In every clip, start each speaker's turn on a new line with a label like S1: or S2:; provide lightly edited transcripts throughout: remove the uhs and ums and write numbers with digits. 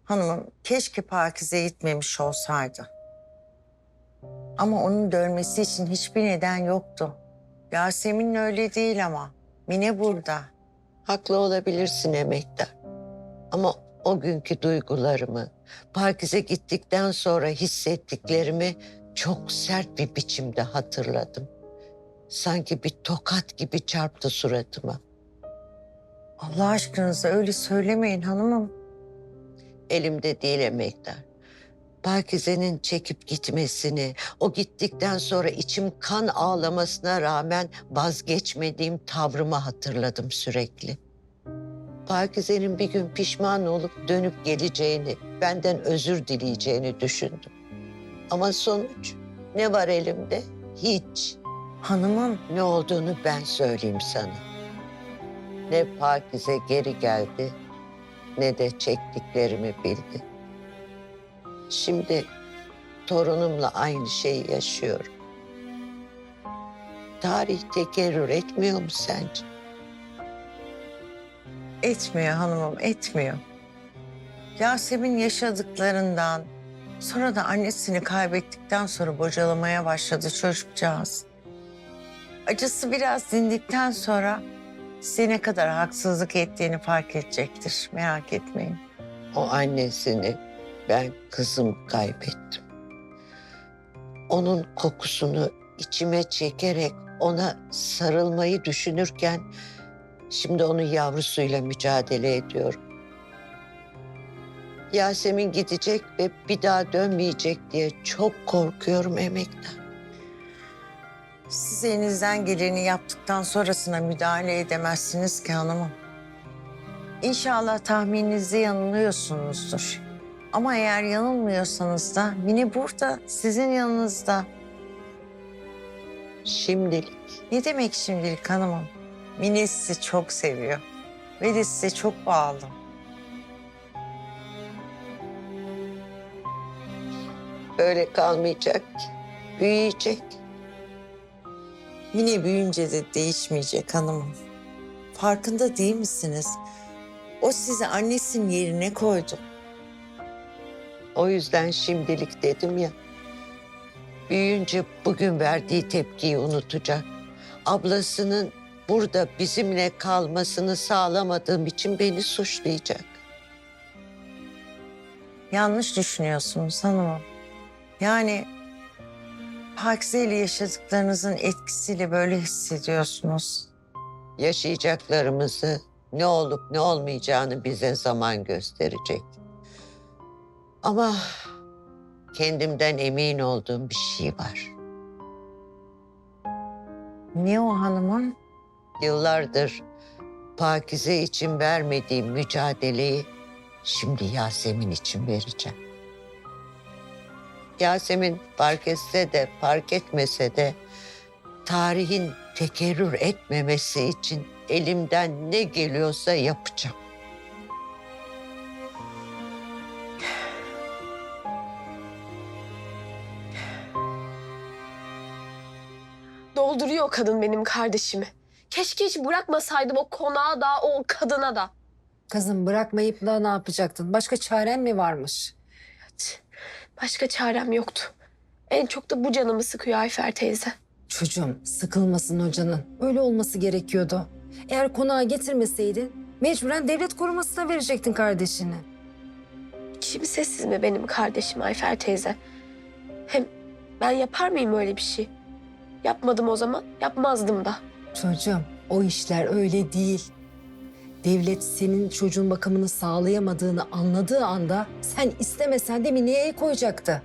S1: Hanımım, keşke Pakize gitmemiş olsaydı. Ama onun dönmesi için hiçbir neden yoktu. Yasemin öyle değil ama. Mine burada.
S2: Haklı olabilirsin emektar. Ama o günkü duygularımı, Pakize gittikten sonra hissettiklerimi çok sert bir biçimde hatırladım. Sanki bir tokat gibi çarptı suratıma.
S1: Allah aşkınıza öyle söylemeyin hanımım.
S2: Elimde değil emektar. Pakize'nin çekip gitmesini, o gittikten sonra içim kan ağlamasına rağmen vazgeçmediğim tavrımı hatırladım sürekli. Pakize'nin bir gün pişman olup dönüp geleceğini, benden özür dileyeceğini düşündüm. Ama sonuç ne var elimde? Hiç.
S1: Hanımım,
S2: Ne olduğunu ben söyleyeyim sana. Ne Pakize geri geldi, ne de çektiklerimi bildi. Şimdi torunumla aynı şeyi yaşıyorum. Tarih tekerrür etmiyor mu sence?
S1: etmiyor hanımım, etmiyor. Yasemin yaşadıklarından, sonra da annesini kaybettikten sonra bocalamaya başladı çocukcağız. Acısı biraz dindikten sonra size ne kadar haksızlık ettiğini fark edecektir. Merak etmeyin.
S2: O annesini ben kızım kaybettim. Onun kokusunu içime çekerek ona sarılmayı düşünürken şimdi onun yavrusuyla mücadele ediyorum. Yasemin gidecek ve bir daha dönmeyecek diye çok korkuyorum emektar.
S1: Siz elinizden geleni yaptıktan sonrasına müdahale edemezsiniz ki hanımım. İnşallah tahmininizde yanılıyorsunuzdur. Ama eğer yanılmıyorsanız da Mine burada, sizin yanınızda.
S2: Şimdilik
S1: Ne demek şimdilik hanımım? Mine sizi çok seviyor ve de size çok bağlı.
S2: böyle kalmayacak ki. Büyüyecek.
S1: Mine büyüyünce de değişmeyecek hanımım. Farkında değil misiniz? O sizi annesinin yerine koydu.
S2: O yüzden şimdilik dedim ya. Büyüyünce bugün verdiği tepkiyi unutacak. Ablasının burada bizimle kalmasını sağlamadığım için beni suçlayacak.
S1: Yanlış düşünüyorsunuz hanımım. Yani Pakize ile yaşadıklarınızın etkisiyle böyle hissediyorsunuz.
S2: Yaşayacaklarımızı, ne olup ne olmayacağını bize zaman gösterecek. Ama kendimden emin olduğum bir şey var.
S1: Ne o hanımım?
S2: Yıllardır Pakize için vermediğim mücadeleyi şimdi Yasemin için vereceğim. Yasemin fark etse de fark etmese de tarihin tekerrür etmemesi için elimden ne geliyorsa yapacağım.
S3: Dolduruyor o kadın benim kardeşimi. Keşke hiç bırakmasaydım o konağa da o kadına da.
S4: Kızım bırakmayıp da ne yapacaktın? Başka çaren mi varmış?
S3: Başka çarem yoktu. En çok da bu canımı sıkıyor Ayfer teyze.
S4: Çocuğum sıkılmasın hocanın. Öyle olması gerekiyordu. Eğer konağa getirmeseydin mecburen devlet korumasına verecektin kardeşini.
S3: Kimsesiz mi benim kardeşim Ayfer teyze? Hem ben yapar mıyım öyle bir şey? Yapmadım o zaman, yapmazdım da.
S4: Çocuğum o işler öyle değil. Devlet senin çocuğun bakımını sağlayamadığını anladığı anda sen istemesen de Mine'ye koyacaktı.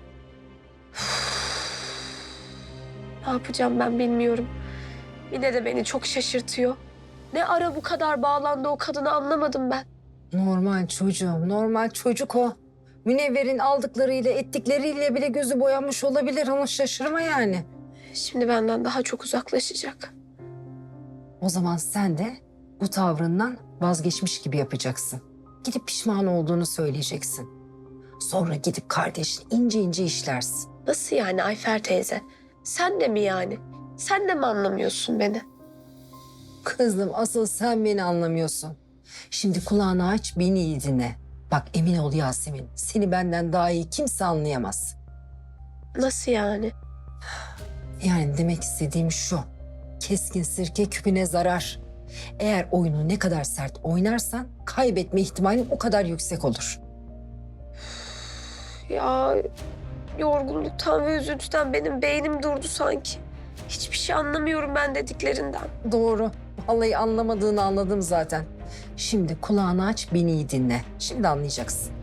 S3: Ne yapacağım ben bilmiyorum. Mine de beni çok şaşırtıyor. Ne ara bu kadar bağlandı o kadını anlamadım ben.
S4: Normal çocuğum, normal çocuk o. Münevver'in aldıklarıyla ettikleriyle bile gözü boyanmış olabilir ama şaşırma yani.
S3: Şimdi benden daha çok uzaklaşacak.
S4: O zaman sen de bu tavrından vazgeçmiş gibi yapacaksın. Gidip pişman olduğunu söyleyeceksin. Sonra gidip kardeşini ince ince işlersin.
S3: Nasıl yani Ayfer teyze? Sen de mi yani? Sen de mi anlamıyorsun beni?
S4: Kızım asıl sen beni anlamıyorsun. Şimdi kulağını aç beni iyi dinle. Bak emin ol Yasemin, seni benden daha iyi kimse anlayamaz.
S3: Nasıl yani?
S4: Yani demek istediğim şu, keskin sirke küpüne zarar. Eğer oyunu ne kadar sert oynarsan kaybetme ihtimalin o kadar yüksek olur.
S3: Ya yorgunluktan ve üzüntüden benim beynim durdu sanki. Hiçbir şey anlamıyorum ben dediklerinden.
S4: Doğru. Vallahi anlamadığını anladım zaten. Şimdi kulağını aç, beni iyi dinle. Şimdi anlayacaksın.